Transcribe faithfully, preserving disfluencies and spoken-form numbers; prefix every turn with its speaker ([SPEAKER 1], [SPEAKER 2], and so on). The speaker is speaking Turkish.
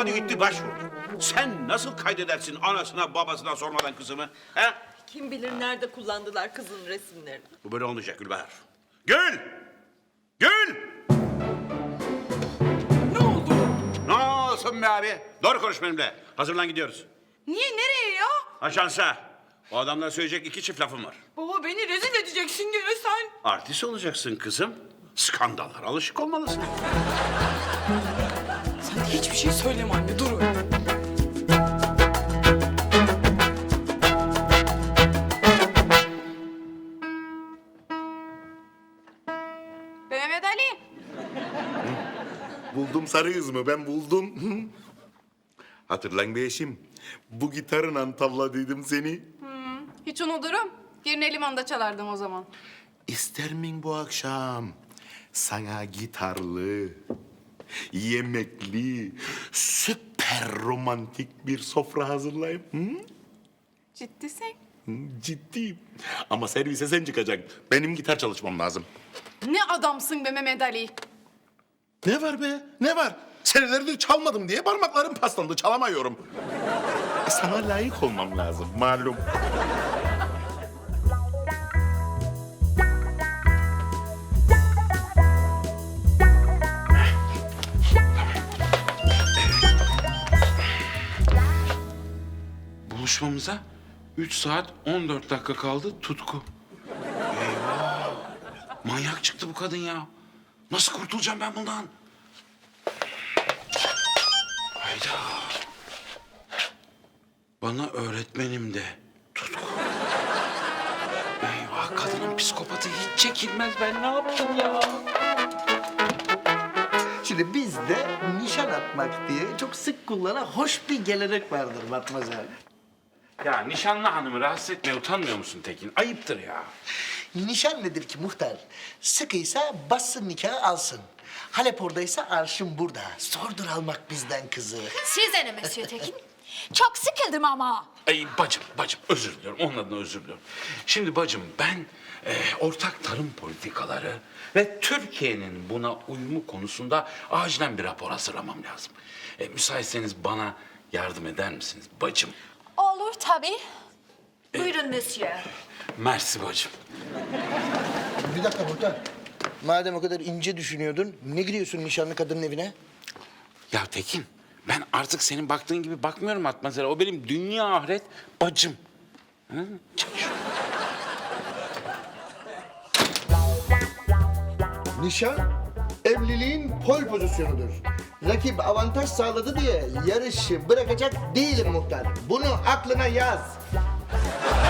[SPEAKER 1] Hadi gitti başvurdu. Sen nasıl kaydedersin anasına babasına sormadan kızımı? He?
[SPEAKER 2] Kim bilir nerede kullandılar kızın resimlerini.
[SPEAKER 1] Bu böyle olmayacak Gülbahar. Gül! Gül!
[SPEAKER 3] Ne oldu?
[SPEAKER 1] Ne olsun be abi? Doğru konuş benimle. Hazırlan gidiyoruz.
[SPEAKER 3] Niye, nereye ya?
[SPEAKER 1] Ajansa. O adamla söyleyecek iki çift lafım var.
[SPEAKER 3] Baba beni rezil edeceksin gene sen.
[SPEAKER 1] Artist olacaksın kızım. Skandallara alışık olmalısın.
[SPEAKER 3] Sen de hiçbir şey söyleme anne, dur öyle. Mehmet Ali.
[SPEAKER 4] Buldum sarı kızımı, ben buldum. Hatırlan be eşim, bu gitarla tavladıydım seni.
[SPEAKER 5] Hiç unuturum. Yerine limanda çalardım o zaman.
[SPEAKER 4] İster miyim bu akşam sana gitarlı, yemekli, süper romantik bir sofra hazırlayayım? Hı?
[SPEAKER 5] Ciddisin.
[SPEAKER 4] Hı, ciddiyim. Ama servise sen çıkacaksın. Benim gitar çalışmam lazım.
[SPEAKER 5] Ne adamsın be Mehmet Ali.
[SPEAKER 4] Ne var be? Ne var? Senelerdir çalmadım diye parmaklarım paslandı. Çalamıyorum. E, sana layık olmam lazım malum.
[SPEAKER 1] Buluşmamıza üç saat on dört dakika kaldı Tutku. Eyvah! Manyak çıktı bu kadın ya. Nasıl kurtulacağım ben bundan? Hayda. Bana öğretmenim de Tutku. Eyvah, kadının psikopatı hiç çekilmez. Ben ne yaptım ya?
[SPEAKER 6] Şimdi bizde nişan atmak diye çok sık kullanan hoş bir gelenek vardır Matmazel.
[SPEAKER 1] Ya nişanlı hanımı rahatsız etmeye utanmıyor musun Tekin? Ayıptır ya.
[SPEAKER 6] Nişan nedir ki muhtar? Sıkıysa bassın nikahı alsın. Halep oradaysa arşın burada. Sordur almak bizden kızı.
[SPEAKER 7] Size ne Monsieur Tekin? Çok sıkıldım ama.
[SPEAKER 1] Ay bacım, bacım özür diliyorum. Onun adına özür diliyorum. Şimdi bacım ben e, ortak tarım politikaları ve Türkiye'nin buna uyumu konusunda acilen bir rapor hazırlamam lazım. E, müsaitseniz bana yardım eder misiniz bacım?
[SPEAKER 7] Olur tabii. Buyurun Monsieur.
[SPEAKER 1] Mersi bacım.
[SPEAKER 6] Bir dakika muhtar. Madem o kadar ince düşünüyordun, ne giriyorsun nişanlı kadının evine?
[SPEAKER 1] Ya Tekin, ben artık senin baktığın gibi bakmıyorum Atmazel'e. O benim dünya ahiret bacım. Hı? Çalış.
[SPEAKER 6] Nişan, evliliğin pol pozisyonudur. Rakip avantaj sağladı diye yarışı bırakacak değilim muhtar. Bunu aklına yaz.